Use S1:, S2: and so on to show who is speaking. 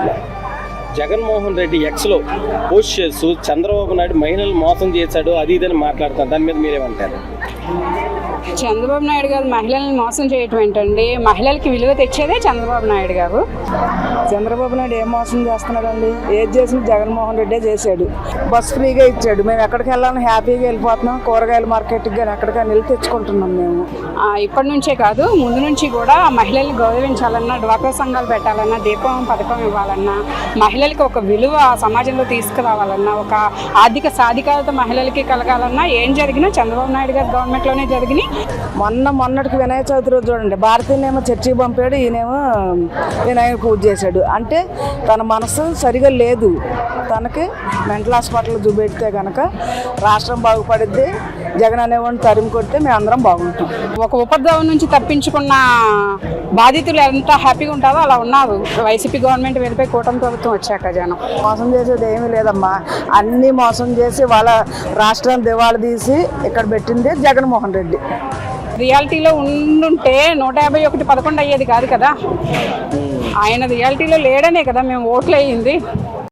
S1: జగన్మోహన్ రెడ్డి ఎక్స్లో పోస్ట్ చేస్తూ చంద్రబాబు నాయుడు మహిళలు మోసం చేశాడు అది ఇదని మాట్లాడుతారు. దాని మీద మీరేమంటారు?
S2: చంద్రబాబు నాయుడు గారు మహిళల్ని మోసం చేయటం ఏంటండి? మహిళలకి విలువ తెచ్చేదే చంద్రబాబు నాయుడు గారు.
S3: చంద్రబాబు నాయుడు ఏం మోసం చేస్తున్నాడండి? ఏది చేసిన జగన్మోహన్ రెడ్డే చేశాడు. బస్ ఫ్రీగా ఇచ్చాడు. మేము ఎక్కడికి వెళ్ళాలని హ్యాపీగా వెళ్ళిపోతున్నాం. కూరగాయల మార్కెట్కి కానీ ఎక్కడికైనా వెళ్ళి తెచ్చుకుంటున్నాం మేము.
S2: ఇప్పటి నుంచే కాదు, ముందు నుంచి కూడా మహిళల్ని గౌరవించాలన్నా, డ్వాక్రా సంఘాలు పెట్టాలన్నా, దీపం పథకం ఇవ్వాలన్నా, మహిళలకి ఒక విలువ సమాజంలో తీసుకురావాలన్నా, ఒక ఆర్థిక సాధికారత మహిళలకి కలగాలన్నా ఏం జరిగినా చంద్రబాబు నాయుడు గారి గవర్నమెంట్లోనే జరిగినాయి.
S3: మొన్నటికి వినాయక చవితి రోజు చూడండి, భారతీయనేమో చర్చికి పంపాడు, ఈయనేమో వినాయక పూజ చేశాడు. అంటే తన మనసు సరిగా లేదు. తనకి మెంటల్ హాస్పిటల్ చూపెడితే కనుక రాష్ట్రం బాగుపడిద్ది. జగన్ అనేవాడిని తరిమి కొడితే మేము అందరం బాగుంటాం.
S2: ఒక ఉపద్రవం నుంచి తప్పించుకున్న బాధితులు ఎంత హ్యాపీగా ఉంటారో అలా ఉన్నారు వైసీపీ గవర్నమెంట్ వెళ్ళిపోయి కూటమి ప్రభుత్వం వచ్చాక. జనం
S3: మోసం చేసేది ఏమీ లేదమ్మా. అన్నీ మోసం చేసి వాళ్ళ రాష్ట్రాన్ని దివాళా తీసి ఇక్కడ పెట్టింది జగన్మోహన్ రెడ్డి.
S2: రియాలిటీలో ఉండుంటే 151-11 అయ్యేది కాదు కదా. ఆయన రియాలిటీలో లేడనే కదా మేము ఓట్లు వేయింది.